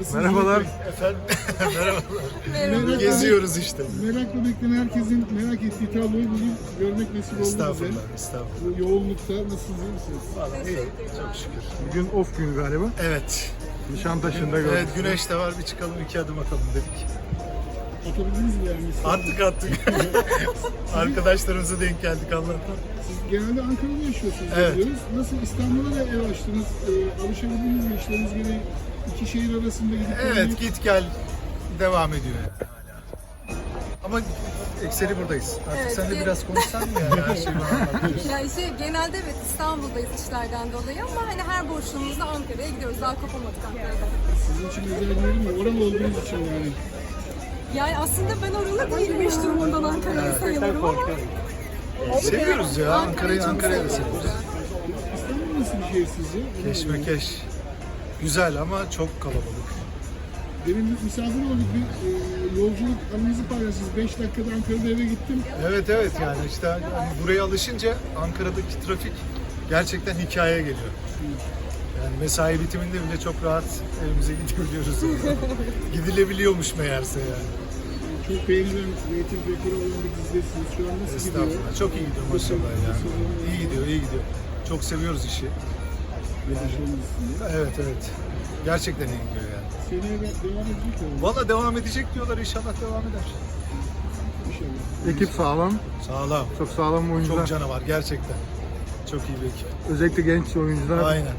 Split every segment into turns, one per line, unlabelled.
Nasılsınız?
Merhabalar.
Efendim, merhabalar.
Merhaba.
Geziyoruz işte.
Merakla bekleyen herkesin merak ettiği tabloyu bugün görmek nasip oldu bize.
Estağfurullah, estağfurullah.
Bu yoğunlukta nasılsınız, iyi misiniz?
Vallahi iyi, çok şükür.
Bugün off günü galiba.
Evet.
Nişantaşı'nda gördük.
Evet, güneş de var, bir çıkalım, iki adım atalım dedik.
Atabildiniz mi yani?
Attık. Arkadaşlarımıza denk geldik Allah'tan.
Siz genelde Ankara'da yaşıyorsunuz
Evet.
biliyoruz. Nasıl İstanbul'a da ev açtınız? Alışabildiniz mi? İşleriniz gereği iki şehir arasında gidip
Evet, git gel devam ediyor yani hala. Ama ekseri buradayız. Artık
Evet,
sen de
bir-
biraz konuşsan mı yani her şeyi bana anlatıyorsun.
Yani genelde evet İstanbul'dayız işlerden dolayı ama hani her boşluğumuzda Ankara'ya gidiyoruz. Daha kopamadık Ankara'dan.
Sizin için özel bir yer mi? Oralı olduğunuz için yani.
Yani aslında ben oralı değilim hiç durumundan Ankara'yı sayılırım ama
Seviyoruz ya, Ankara'yı
çok
da seviyoruz.
İstanbul nasıl bir şehir sizce?
Keşmekeş. Güzel ama çok kalabalık.
Benim misafir olduk bir yolculuk anınızı paylaştınız. 5 dakikada Ankara'da eve gittim.
Evet yani işte hani buraya alışınca Ankara'daki trafik gerçekten hikaye geliyor. Yani mesai bitiminde bile çok rahat evimize gidebiliyoruz. Gidilebiliyormuş meğerse yani.
Çok beğenilen reyting rekoru olan bir dizidesiniz. Şu an nasıl gidiyor?
Estağfurullah. Çok iyi gidiyor maşallah ya. İyi gidiyor. Çok seviyoruz işi.
Yaşamın dizisinde.
Evet. Gerçekten iyi gidiyor yani.
Seneye de devam edecek mi?
Valla devam edecek diyorlar, inşallah devam eder.
İnşallah.
Ekip sağlam.
Sağlam.
Çok sağlam oyuncular.
Çok canavar gerçekten. Çok iyi bir ekip.
Özellikle genç oyuncular.
Aynen.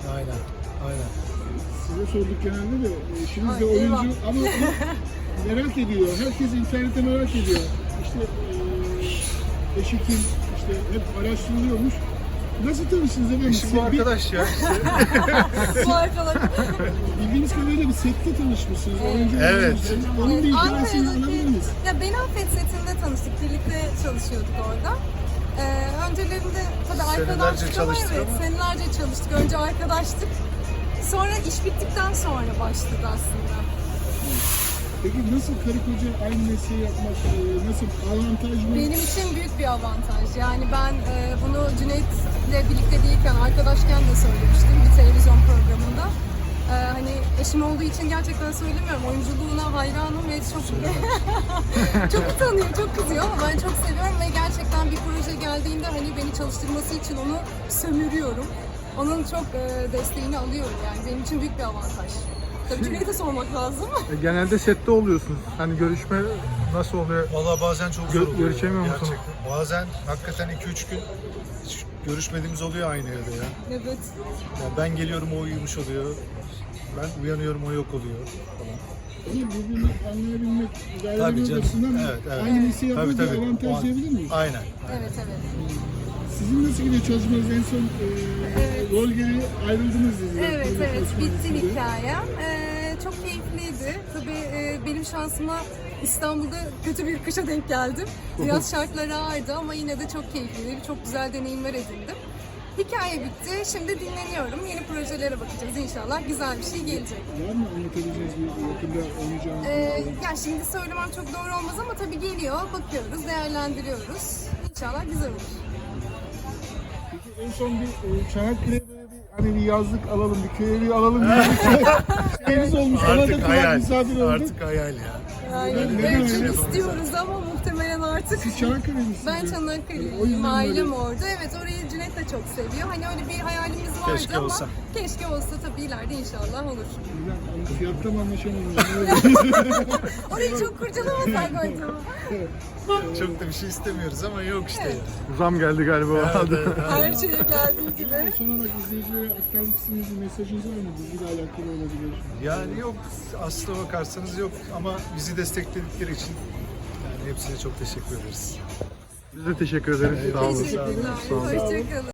Size sorduk genelde de eşiniz de
Ay, eyvah.
oyuncu ama merak ediyor. Herkes internette merak ediyor. İşte eşi kim? İşte hep araştırılıyormuş. Nasıl tanıştınız efendim?
Eşim bu arkadaş ya işte.
bu arkadaş.
Bildiğimiz kadarıyla bir sette tanışmışsınız. Oyuncu
Evet.
oyuncusunuz. Onun bir hikayesini alabilir miyiz?
Ya Ben Affet setinde tanıştık. Birlikte çalışıyorduk orada. Öncelerinde tabii
Senelerce
arkadaştık ama
çalıştık
evet
ama.
senelerce çalıştık. Önce arkadaştık. Sonra iş bittikten sonra başladı aslında.
Peki nasıl karı koca aynı mesleği yapmak, nasıl avantaj mı?
Benim için büyük bir avantaj. Yani ben bunu Cüneyt'le birlikte değilken, arkadaşken de söylemiştim bir televizyon programında. Hani eşim olduğu için gerçekten söylemiyorum. Oyunculuğuna hayranım ve çok utanıyor, çok kızıyor ama ben çok seviyorum ve gerçekten bir proje geldiğinde hani beni çalıştırması için onu sömürüyorum. Onun çok desteğini alıyorum yani. Benim için büyük bir avantaj. Tabii Cüneyt'e sormak lazım.
Genelde sette oluyorsunuz. Hani görüşme nasıl oluyor?
Valla bazen çok zor oluyor.
Görüşemiyor musunuz?
Gerçekten. Bazen hakikaten 2-3 gün hiç görüşmediğimiz oluyor aynı evde ya.
Evet.
Ya ben geliyorum, o uyumuş oluyor. Ben uyanıyorum, o yok oluyor falan.
Ama birbirini anlayabilmek,
Tabii
ilerlemek
canım.
açısından
Evet.
aynı mesleği yapmak
Tabii.
bir
O
avantaj
an-
diyebilir miyiz?
Aynen.
Evet.
Sizin nasıl gidiyor çalışmanız? En son rol gereği ayrıldınız diziden.
Evet,
Çalışma
bitti
arasında.
hikayem. Çok keyifliydi. Tabii benim şansıma İstanbul'da kötü bir kışa denk geldim. Biraz şartları ağırdı ama yine de çok keyifliydi. Çok güzel deneyimler edindim. Hikaye bitti. Şimdi dinleniyorum. Yeni projelere bakacağız inşallah. Güzel bir şey gelecek.
Var mı anlatabileceğiniz bir yakında oynayacağınız?
Ya şimdi söylemem çok doğru olmaz ama tabii geliyor. Bakıyoruz, değerlendiriyoruz. İnşallah güzel olur.
Peki en son bir Çanakkale'ye böyle bir hani bir yazlık alalım, bir köy evi alalım gibi bir şeyimiz olmuş. Ona da
Artık
kulak
hayal.
misafir olduk.
Artık hayal ya.
Yani
Neden
evet,
öyle?
istiyoruz ama muhtemelen artık.
Siz Çanakkale'lisiniz.
Ben
O
Çanakkale'liyim,
yüzden
ailem
böyle-
orada. Evet, orayı Cüneyt de çok seviyor. Hani öyle bir hayalimiz vardı
Keşke
ama
olsa.
keşke olsa tabii ileride inşallah olur.
Güzel. Fiyatta mı anlaşamıyoruz?
Orayı çok kurcalamasak acaba.
Çok da bir şey istemiyoruz ama yok işte ya.
Zam geldi galiba.
Evet.
Her şeye geldiği gibi.
Son olarak izleyicilere aktarmak istediğiniz bir mesajınız var mı? Diziyle alakalı olabilir.
Yani yok, aslına bakarsanız yok ama bizi destekledikleri için yani hepsine çok teşekkür ederiz.
Biz de teşekkür ederiz. Sağ olun.
Teşekkürler.
Sağ olun.
Hoşçakalın.